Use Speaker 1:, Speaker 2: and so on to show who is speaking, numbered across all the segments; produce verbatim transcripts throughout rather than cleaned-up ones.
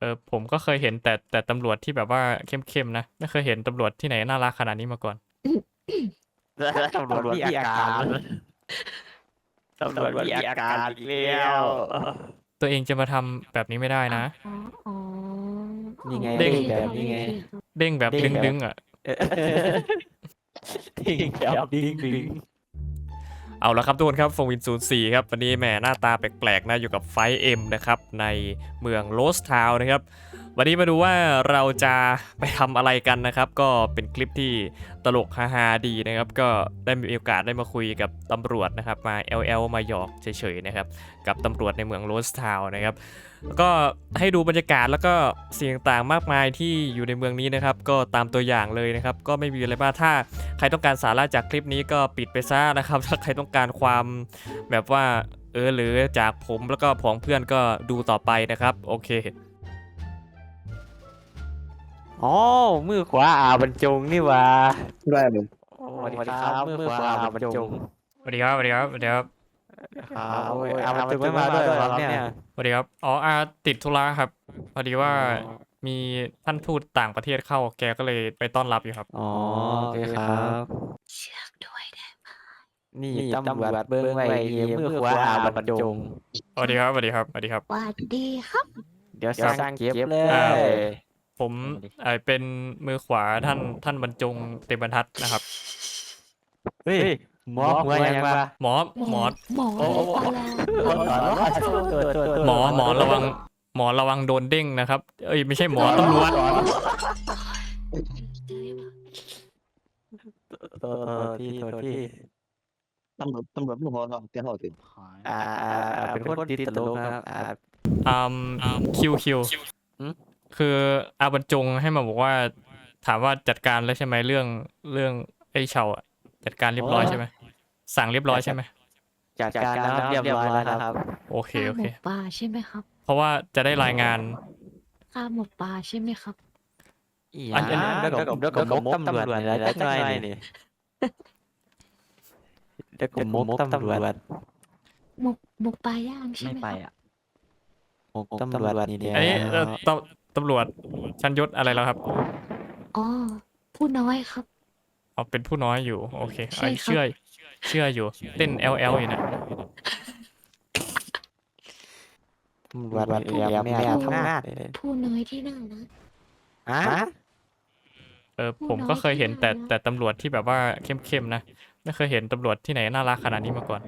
Speaker 1: อผมก็เคยเห็นแต่แต่ตำรวจที่แบบว่าเข้มๆนะไม่เคยเห็นตำรวจที่ไหนน่ารักขนาดนี้มาก่อน
Speaker 2: ตำรวจมีอาการตำรวจมีอาการอีกแล้ว
Speaker 1: ตัวเองจะมาทำแบบนี้ไม่ได้
Speaker 3: อ๋อ
Speaker 1: นะ
Speaker 3: อ๋ออ๋อ
Speaker 2: นี่ไง
Speaker 3: โอ
Speaker 1: เด้ง
Speaker 3: เค
Speaker 2: แบ
Speaker 3: ครับ
Speaker 2: บนี้ไง
Speaker 3: โอเคครับ
Speaker 1: เด้งแบบ
Speaker 2: เด้
Speaker 1: ดึ
Speaker 2: ง
Speaker 1: ง
Speaker 2: แบบ
Speaker 1: ดึงอ่ะ
Speaker 2: ทิ้งแบบดิ้งดิ้ง
Speaker 1: เอาละครับทุกคนครับโฟวินศูนย์สี่ครับวันนี้แหมหน้าตาแปลกๆนะอยู่กับไฟเอ็มนะครับในเมืองโรสทาวน์นะครับวันนี้มาดูว่าเราจะไปทำอะไรกันนะครับก็เป็นคลิปที่ตลกฮาๆดีนะครับก็ได้มีโอกาสได้มาคุยกับตำรวจนะครับมา แอล แอล มาหยอกเฉยๆนะครับกับตำรวจในเมืองโรสทาวน์นะครับแล้วก็ให้ดูบรรยากาศแล้วก็สิ่งต่างๆมากมายที่อยู่ในเมืองนี้นะครับก็ตามตัวอย่างเลยนะครับก็ไม่มีอะไรมากถ้าใครต้องการสาระจากคลิปนี้ก็ปิดไปซะนะครับถ้าใครต้องการความแบบว่าเออหรือจากผมแล้วก็ผองเพื่อนก็ดูต่อไปนะครับโอเค
Speaker 2: อ๋อมือขวาอาบรรจงนี่หว่า
Speaker 4: ได้เลย
Speaker 2: สวัสดีครับมือขวาอาบรรจง
Speaker 1: สวัสดีครับสวัสดีครับสวัสดีครับ
Speaker 2: ครับโอ้ยอาบรรจงไม่มาด้วยเหรอครับเนี่ย
Speaker 1: สวัสดีครับอ๋ออาติดธุระครับพอดีว่ามีท่านทูตต่างประเทศเข้าแกก็เลยไปต้อนรับอยู่ครับ
Speaker 2: อ๋อโอเคครับ
Speaker 3: เชือกด้วยได้ไหม
Speaker 2: นี่ตำรวจเบิ้งไว้นี่มือขวาอาบรรจง
Speaker 1: สวัสดีครับสวัสดีครับสวัสดีครับ
Speaker 3: สวัสดีครับ
Speaker 2: เดี๋ยวสร้างเก็บเล
Speaker 1: อ่า
Speaker 2: ย
Speaker 1: ผมเอ่อเป็นมือขวาท่านท่านบรรจงเต็มบรรทัดนะครับ
Speaker 2: เฮ้ยหมอหัวยังวะ
Speaker 1: หมอหมอ
Speaker 3: หมอ
Speaker 2: โอ้โห
Speaker 3: อะไรแล้ว
Speaker 1: หมอหมอระวังหมอระวังโดนเด้งนะครับเอ้ยไม่ใช่หมอตำรวจ
Speaker 2: ตัวที่ตัวที่
Speaker 4: ตำรวจตำรวจไม่พอหรอกเตี้ยหอถึง
Speaker 2: อ่าเป็นคนติดตลกนะครับอ่า
Speaker 1: อืมคิวคิว
Speaker 2: หืม
Speaker 1: คืออาบรรจงให้มาบอกว่าถามว่าจัดการแล้วใช่ไหมเรื่องเรื่องไอ้เฉาอะจัดการเรียบร้อยใช่ไหมสั่งเรียบร้อยใช่ไหม
Speaker 2: จัดการแล้วเรียบร้อยแล้วครับ
Speaker 1: โอเค
Speaker 3: ข้า
Speaker 1: โอ
Speaker 3: หม
Speaker 1: เค
Speaker 3: กปลาใช่ไหมครับ
Speaker 1: เพราะว่าจะได้รายงาน
Speaker 3: ข้าหมกปลาใช่ไหมครับ
Speaker 2: อันนี้แล้วก็แล้วก็มกตำรวจแล้วจักหน่อยนี่แล้วก็มกตำรวจ
Speaker 3: หมกหมกปลาย่างใช่ไหมครับ
Speaker 2: มกตำรวจนี่เดียว
Speaker 1: อันนี้เอ่อตำตำรวจชั้นยศอะไรแล้วครับ
Speaker 3: อ๋อผู้น้อยครับ
Speaker 1: อ๋อเป็นผู้น้อยอยู่โอเค
Speaker 3: ใช่
Speaker 1: ไอ้
Speaker 3: ครับ
Speaker 1: เชื่อเชื่ออยู่เต้น แอล แอล อยู่นะ
Speaker 2: ตำรวจนี่แม่ทำงาน
Speaker 3: ผู้น้อยที่น่ารัก
Speaker 2: ฮะ
Speaker 1: เออ
Speaker 3: ผู้
Speaker 1: ผม
Speaker 3: น้อย
Speaker 1: ก็เคยเห็น
Speaker 3: ที่
Speaker 1: แต่
Speaker 3: น่ารัก
Speaker 1: แต่ตำรวจที่แบบว่าเข้มๆนะไม่เคยเห็นตำรวจที่ไหนน่ารักขนาดนี้มาก่อน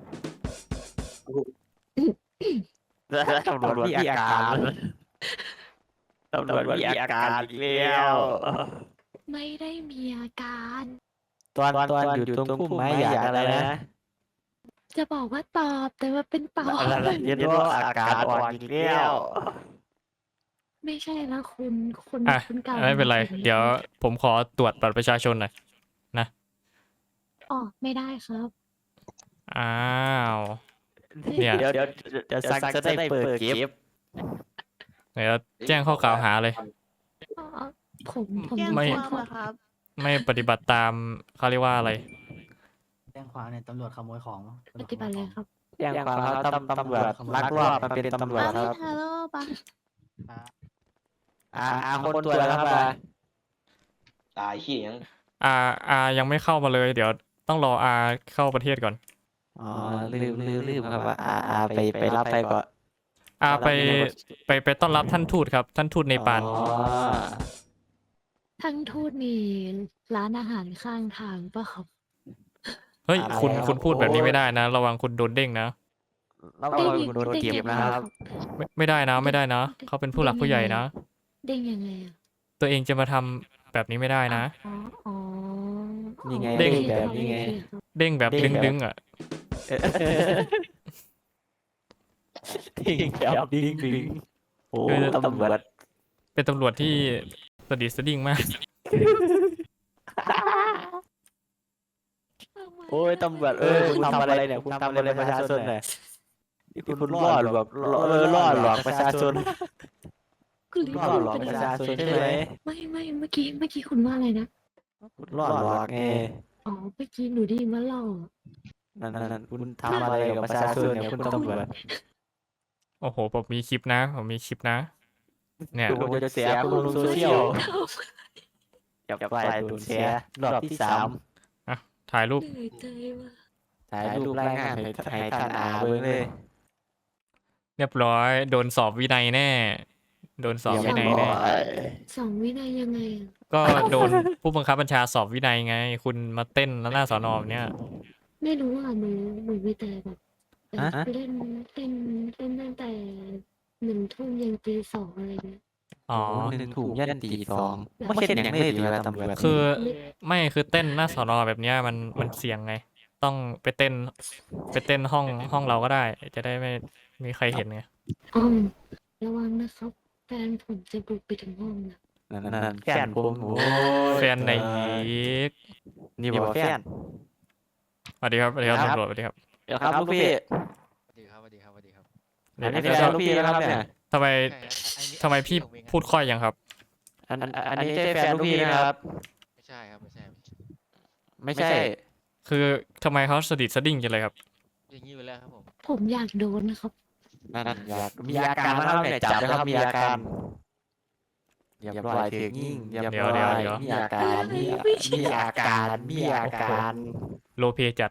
Speaker 2: ตำรวจมีอาการตำรวจมีอาการอีกแล้ว
Speaker 3: ไม่ได้มีอาการ
Speaker 2: ตอนตอนอยู่ตรงพุ่มไม้อยากอะไรนะ
Speaker 3: จะบอกว่าตอบแต่ว่าเป็นปอบ
Speaker 2: อะไรเรียนว่าอาการอ่อนอีกแล้ว
Speaker 3: ไม่ใช่แล้วคุณคุณ
Speaker 1: อ่ะ
Speaker 3: คุณเก่า
Speaker 1: ไม่เป็นไร
Speaker 3: แบบ
Speaker 1: เดี๋ยวผมขอตรวจบัตรประชาชนหน่อย
Speaker 3: อ๋อไม่ได้ครับ
Speaker 1: อ้าว เนี่ย
Speaker 2: เดี๋ยวเดี๋ยวเดี๋ยวซักจะได้เปิดเก็บ
Speaker 1: เดี๋ยวแจ้งข้อกล่าวหาเลย
Speaker 3: อ๋อผมผม
Speaker 1: ไม่
Speaker 3: แจ้ง
Speaker 5: ความ
Speaker 3: ข้อ
Speaker 5: เหรอครับ
Speaker 1: ไม่ปฏิบัติตามเขาเรียกว่าอะไร
Speaker 5: แจ้งความเนี่ยตำรวจขโมยของ
Speaker 3: ปฏิบัติเลยครับ
Speaker 2: อย่างความเขาตำตำรวจลักลอบมาเป็นตำรวจ
Speaker 5: อ้าว
Speaker 2: ครับ
Speaker 5: ฮัลโหลปะ
Speaker 2: อ่าอ่าคนตัวแล้วครับอ่า
Speaker 4: ตายขี้ยัง
Speaker 1: อาอายังไม่เข้ามาเลย เดี๋ยวต้องรออาเข้าประเทศก่อน
Speaker 2: อ๋อลืมลืมลืมครับว่าอ่าอ่าไปไปรับไปก่อน
Speaker 1: อาไปไปไปต้อนรับท่านทูตครับ ท่านทูตเนปาล
Speaker 2: อ๋อ
Speaker 3: ทั้งทูตมีร้านอาหารข้างทางปะครับ
Speaker 1: เฮ้ยคุณคุณพูดแบบนี้ไม่ได้นะ ระวังคุณโดนเด้งนะ
Speaker 2: แล้วก็โดนเก็บนะครับ
Speaker 1: ไม่ไม่ได้นะไม่ได้นะเขาเป็นผู้หลักผู้ใหญ่นะ
Speaker 3: เด้งยังไงอะ
Speaker 1: ตัวเองจะมาทำแบบนี้ไม่ได้นะ
Speaker 3: อ๋ออ๋อ
Speaker 2: นี่ไง
Speaker 1: เด้ง
Speaker 2: แบบนี้ไง
Speaker 1: เด้งแบบดึงดึงๆอ่ะ
Speaker 2: ดิ้งแบบดิ้งดิ้งโอ้ตำรวจ
Speaker 1: เป็นตำรวจที่สดิสดิ้งมาก
Speaker 2: โอ้ยตำรวจเออคุณทำอะไรเนี่ยคุณทำอะไรประชาชนเนี่ยนี่คุณล่อหลอกเออล่อหลอกประชาชน
Speaker 3: คุณลืม
Speaker 2: ล่อ
Speaker 3: พูด
Speaker 2: หลอก
Speaker 3: ไป
Speaker 2: ประ
Speaker 3: แล้ว
Speaker 2: ชาชนใช่ไหม
Speaker 3: ไม่ไม่เมื่อกี้เมื่อกี้คุณว่าอะไรนะ
Speaker 2: คุณล่อหลอกไง
Speaker 3: อ๋อเมื่อกี้หนูได้ยินว่าหล่อ
Speaker 2: นั่นนั่นคุณทำอะไรกับประชาชนเนี่ยคุณตำรวจ
Speaker 1: โอ้โหผมมีคลิปนะผมมีคลิปนะเนี่ย
Speaker 2: ดูจะเสียคุณลงโซเชียลจับไปดูเสียรอบที่สาม
Speaker 1: ถ่ายรูป
Speaker 3: เหนื่อยใจว่ะ
Speaker 2: ถ่ายรูปรายงานให้ให้ท่านอาเบิ่งเลย
Speaker 1: เรียบร้อยโดนสอบวินัยแน่ โดนสอบวินัยแน่
Speaker 3: สองวินัยยังไงอะ
Speaker 1: ก็โดนผู้บังคับบัญชาสอบวินัยไง คุณมาเต้นแล้วหน้าสอนอแบบเนี้ย
Speaker 3: ไม่รู้อ่ะหนูหนูมีแต่แบบเอ่อ
Speaker 2: ฮะ
Speaker 3: เล่นเล่นเล่นตั้งแต่หนึ่งทุ่มยันตีสองอะไรเงี้ย
Speaker 1: อ๋อ
Speaker 2: หนึ่งถุงยันตีสองไม่ใช่อย่างนี้ดีเวลาตำรวจ
Speaker 1: คือไม่คือเต้นหน้าสอนอแบบเนี้ยมันมันเสี่ยงไง ต้องไปเต้นไปเต้นห้องห้องเราก็ได้ จะได้ไม่มีใครเห็นไง
Speaker 3: อ้อมระวังนะครับแฟนผมจะบุกไปถึงห้องนะ
Speaker 2: นั่นๆแฟนผมโอ้ย
Speaker 1: แฟนไหนอีก
Speaker 2: นี่บอกแฟน
Speaker 1: สวัสดีครับสวัสดีครับ
Speaker 2: ครับ
Speaker 1: ตำรวจสวัสดีครับ
Speaker 2: เดี๋ยวครับลูกพี่
Speaker 5: สวัสดีครับสวัสดีครับสวัสดีครับ
Speaker 2: อันนี้แฟนลูกพี่นะครับเนี่ย
Speaker 1: ทำไม
Speaker 5: ใช่ครับอันนี้
Speaker 1: ทำไมพี่
Speaker 5: ผมเองครับ
Speaker 1: พูดค่อยยังครับ
Speaker 2: อันอันอันนี้ใช่แฟนลูกพี่นะครับ
Speaker 5: ไม่ใช่ครับไม่ใช่ไม่ใช่
Speaker 2: ไม่ใช่
Speaker 1: คือทำไมเขาสะดิดสะดิ้งจังเลยครับ
Speaker 5: อย่างนี้อยู่แล้วครับผม
Speaker 3: ผมอยากโดนนะครับ
Speaker 2: นั่นอยากมีอาการนะครับเนี่ยจับนะครับมีอาการเรียบร้อยถึงยิ่งเรียบ
Speaker 1: เดี๋ยว
Speaker 2: ร้อย
Speaker 1: เดี๋ยว
Speaker 2: มีอาการมีมีอาการมีอาการ
Speaker 1: โลเพจัด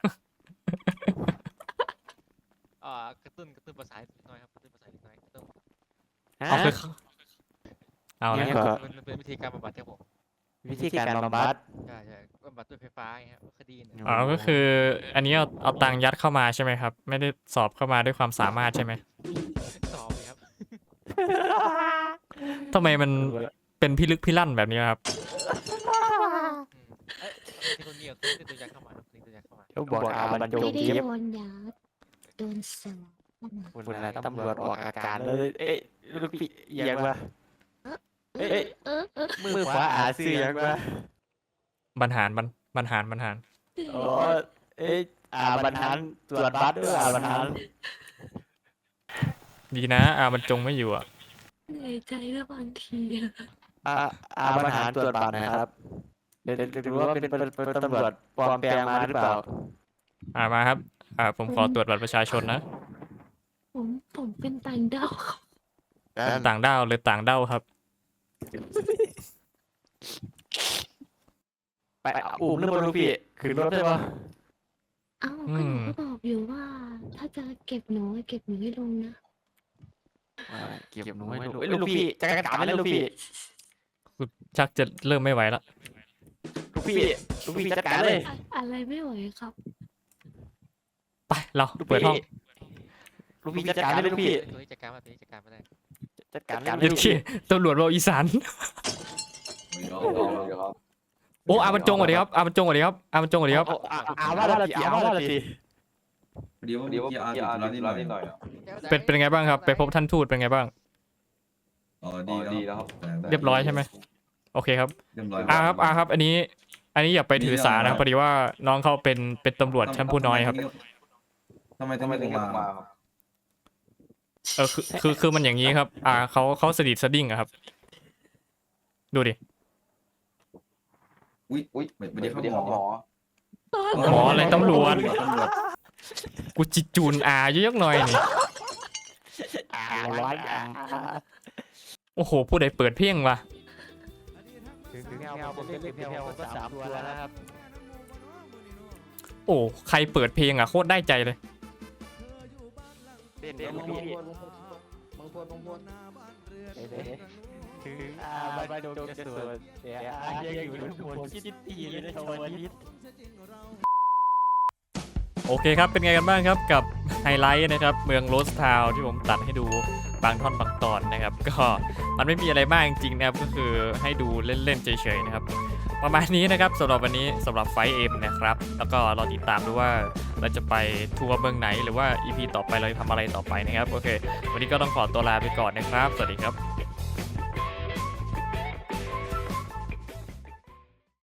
Speaker 5: อ่ากระตุ้นกระตุ้นประสาทนิดหน่อยครับกระตุ้นประสาทนิดหน่อยกระตุ้น
Speaker 1: เอาคือเอา
Speaker 2: เนี่
Speaker 1: ละ
Speaker 2: ยก็
Speaker 5: มันมันเป็นวิธีการบำบัดครับผม
Speaker 2: วิธีการบำบัด
Speaker 5: ใช่ใช่บำบัดด้วยไฟฟ้าไงครับคดีเนี่ย
Speaker 1: อ๋อก็คือ อันนี้เอาเอาตังค์ยัดเข้ามาใช่ไหมครับ ไม่ได้สอบเข้ามาด้วยความสามารถใช่ไหม
Speaker 5: สอบเลยครับ
Speaker 1: ทำไมมันเป็นพิลึกพิลั่นแบบนี้ครับ
Speaker 5: อืมเอ้ยมีคนเดียวคือตัวยักษ์เข้ามาครับมีตัวยักษ์เข้ามา
Speaker 2: เขาบอกอาบรรจง
Speaker 3: ไม่ได้
Speaker 2: เย็บ
Speaker 3: โดนยาโดนสอบ
Speaker 2: คุณอะไรตำรวจออกอาการเลย เอ๊ะลูกพี่เอียงวะ
Speaker 3: เอ
Speaker 2: เอ้
Speaker 3: อย เออเออ
Speaker 2: มือขวาอาซื้อเอียงวะ
Speaker 1: บรรหารบรรบรรหารบรรหาร
Speaker 2: โอ้เอ๊ะอาบรรทันตรวจบัตรด้วยอาบรรทัน
Speaker 1: ดีนะอาบรรจงไม่อยู่อ่ะ
Speaker 3: เหนื่อยใจแล้วบางทีอะ
Speaker 2: อาอาบรรทันตรวจบัตรนะครับเดี๋ยวเดี๋ยวดูว่าเป็นเป็นเป็นตำรวจปลอมแปลงมาหรือเปล่า
Speaker 1: อ่ามาครับ อ่าผมขอตรวจบัตรประชาชนนะ
Speaker 3: ผมผมเป็นต่างดาวครับ
Speaker 1: ต่างด้าวหรือต่างด้าวครับ
Speaker 2: ไปอุ้มหรือเปล่าลูกพี่ขึ้นรถได้ปะ
Speaker 3: เอ้าก็หนูก็บอกอยู่ว่า ถ้าจะเก็บหนูให้เก็บหนูให้ลงนะ
Speaker 2: เก็บหนูให้ลูกเอ้ยลูกพี่จะกระตามไหมลูกพี่
Speaker 1: ชักจะเริ่มไม่ไหวละ
Speaker 2: ลูกพี่ลูกพี่จัดการเลย
Speaker 3: อะอะไรไม่ไหวครับ
Speaker 1: ไปเรา
Speaker 2: ลูก
Speaker 1: เปิดห้อง
Speaker 2: พี่ลูกพี่จัดการเลยลูกพี่
Speaker 5: ตัวนี้จัดการมาตัวนี้จัดการมาได้
Speaker 2: จัดการเลย
Speaker 1: ยัดเขี้ยตำรวจเราอีสาน โอ้อาบรรจงสวัสดีครับอาบรรจงสวัสดีครับอาบรรจงสวัสดีครับ
Speaker 2: เอาอาอาว่าละทีอาว่าละที
Speaker 6: เดี๋ยวเดี๋ยวพี่อาร์ติดร้านนิดหน่อย
Speaker 4: หน่อย
Speaker 1: เป็นเป็นไงบ้างครับ ไปพบท่านทูตเป็นไงบ้าง
Speaker 6: อ๋อดี
Speaker 4: ดีแล้วครับ
Speaker 1: เรียบร้อยใช่ไหมโอเคครับ
Speaker 6: เรียบร้อย
Speaker 1: อาครับอาครับ อันนี้ อันนี้อย่าไปถือสานะครับพอดีว่าน้องเขาเป็นเป็นตำรวจชั้นผู้น้อยครับ
Speaker 6: ทำไม
Speaker 4: ทำ
Speaker 6: ทำ
Speaker 4: ไม
Speaker 6: ไม
Speaker 4: ถึ
Speaker 6: ถึ
Speaker 4: ง
Speaker 6: ง
Speaker 4: กลั
Speaker 6: มา
Speaker 4: บมาครับ
Speaker 1: เออคือคือคือมันอย่างนี้ครับ อ่าเขาเขาสะดิดสะดิ้งอะครับ ดูดิ
Speaker 6: อุ้ย
Speaker 4: อุ้ย
Speaker 6: ไม่
Speaker 4: ไม่
Speaker 6: ได้
Speaker 4: ได้
Speaker 6: เข้า
Speaker 4: เข้า
Speaker 6: ห
Speaker 4: ห
Speaker 6: ม
Speaker 4: ม
Speaker 6: อ
Speaker 4: อ
Speaker 1: หมออะไรตำรวจ
Speaker 6: ตำรวจ
Speaker 1: กูจิจูนอาเยอะๆหน่อยนี่
Speaker 2: อาร้อยอา
Speaker 1: โอ้โห ผู้ใดเปิดเพลงวะ
Speaker 2: ถึงถึงเอาผมเล่นเพียวก็สามตัวแล้วนะครับ
Speaker 1: โอ้ใครเปิดเพลงอ่ะโคตรได้ใจเลย
Speaker 2: เล่นเล่นลูกพี่ถึงอาบรรจงจะสวดแต่อายังอยู่บนคิดตีเลยนะชาวนิด
Speaker 1: โอเคครับ เป็นไงกันบ้างครับกับไฮไลท์นะครับ เมืองโรสทาวน์ที่ผมตัดให้ดูบางท่อนบางตอนนะครับ ก็มันไม่มีอะไรมากจริงๆนะครับ ก็คือให้ดูเล่นๆเฉยๆนะครับ ประมาณนี้นะครับสำหรับวันนี้สำหรับไฟเอ็มนะครับ แล้วก็รอติดตามดูว่าเราจะไปทัวร์เมืองไหนหรือว่า อี พี ต่อไปเราจะทำอะไรต่อไปนะครับ โอเค วันนี้ก็ต้องขอตัวลาไปก่อนนะครับ สวัสดีครับ